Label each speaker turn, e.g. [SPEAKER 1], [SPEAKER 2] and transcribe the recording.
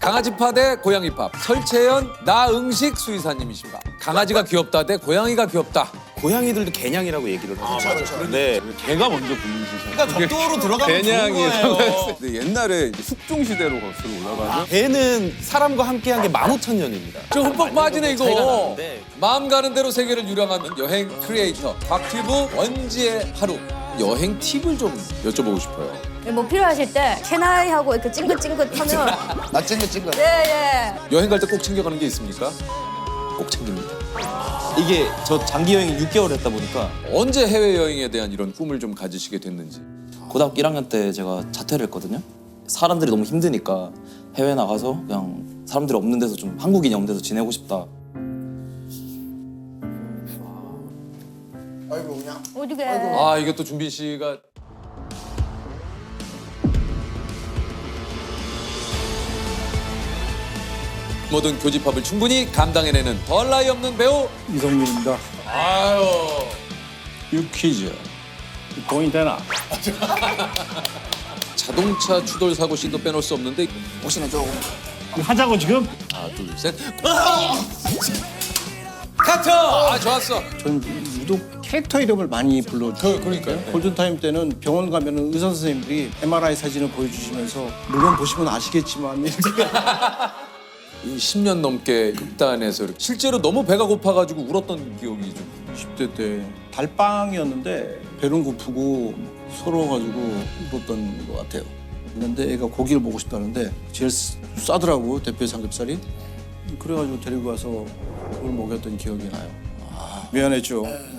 [SPEAKER 1] 강아지파 대 고양이파. 설채연, 나응식 수의사님이십니다. 강아지가 귀엽다 대 고양이가 귀엽다.
[SPEAKER 2] 고양이들도 개냥이라고 얘기를 하죠.
[SPEAKER 3] 그렇죠.
[SPEAKER 2] 네.
[SPEAKER 3] 개가 먼저 붙는
[SPEAKER 4] 그러니까 적도로 들어가면 좋은
[SPEAKER 3] 개냥이라고
[SPEAKER 4] 거예요.
[SPEAKER 3] 했을 때 옛날에 이제 숙종 시대로 거슬러 올라가죠.
[SPEAKER 2] 개는 사람과 함께한 게 15,000년입니다.
[SPEAKER 1] 저 흠뻑 빠지네
[SPEAKER 2] 차이가
[SPEAKER 1] 이거.
[SPEAKER 2] 나는데.
[SPEAKER 1] 마음 가는 대로 세계를 유랑하는 여행 크리에이터 곽튜브 원지의 하루. 여행 팁을 좀 여쭤보고 싶어요.
[SPEAKER 5] 뭐 필요하실 때 캐나이하고 이렇게 찡긋찡긋하면
[SPEAKER 4] 나 찡긋찡긋.
[SPEAKER 5] 예예.
[SPEAKER 1] 여행 갈 때 꼭 챙겨가는 게 있습니까? 꼭 챙깁니다.
[SPEAKER 2] 이게 저 장기 여행 6개월 했다 보니까
[SPEAKER 1] 언제 해외여행에 대한 이런 꿈을 좀 가지시게 됐는지.
[SPEAKER 6] 고등학교 1학년 때 제가 자퇴를 했거든요. 사람들이 너무 힘드니까 해외 나가서 그냥 사람들이 없는 데서 좀 한국인이 없는 데서 지내고 싶다.
[SPEAKER 4] 아이고 그냥.
[SPEAKER 5] 어디게?
[SPEAKER 1] 아 이게 또 준빈 씨가 모든 교집합을 충분히 감당해내는 덜 나이 없는 배우.
[SPEAKER 7] 이성민입니다.
[SPEAKER 1] 아유.
[SPEAKER 7] 유퀴즈. 돈이 되나?
[SPEAKER 1] 자동차 추돌 사고 씬도 빼놓을 수 없는데
[SPEAKER 4] 혹시나 좀.
[SPEAKER 7] 하자고 지금?
[SPEAKER 1] 하나 둘 셋. 카트. 아 좋았어.
[SPEAKER 7] 저는 유독 캐릭터 이름을 많이 불러주세요.
[SPEAKER 1] 그러니까요.
[SPEAKER 7] 골든타임 때는 병원 가면 의사 선생님들이 MRI 사진을 보여주시면서 물론 보시면 아시겠지만 이렇게
[SPEAKER 1] 이 10년 넘게 극단에서 이렇게 실제로 너무 배가 고파가지고 울었던 기억이 좀.
[SPEAKER 7] 10대 때 달빵이었는데 배는 고프고 서러워가지고 울었던 것 같아요. 근데 애가 고기를 먹고 싶다는데 제일 싸더라고 대패 삼겹살이. 그래가지고 데리고 가서 그걸 먹였던 기억이 나요. 미안했죠.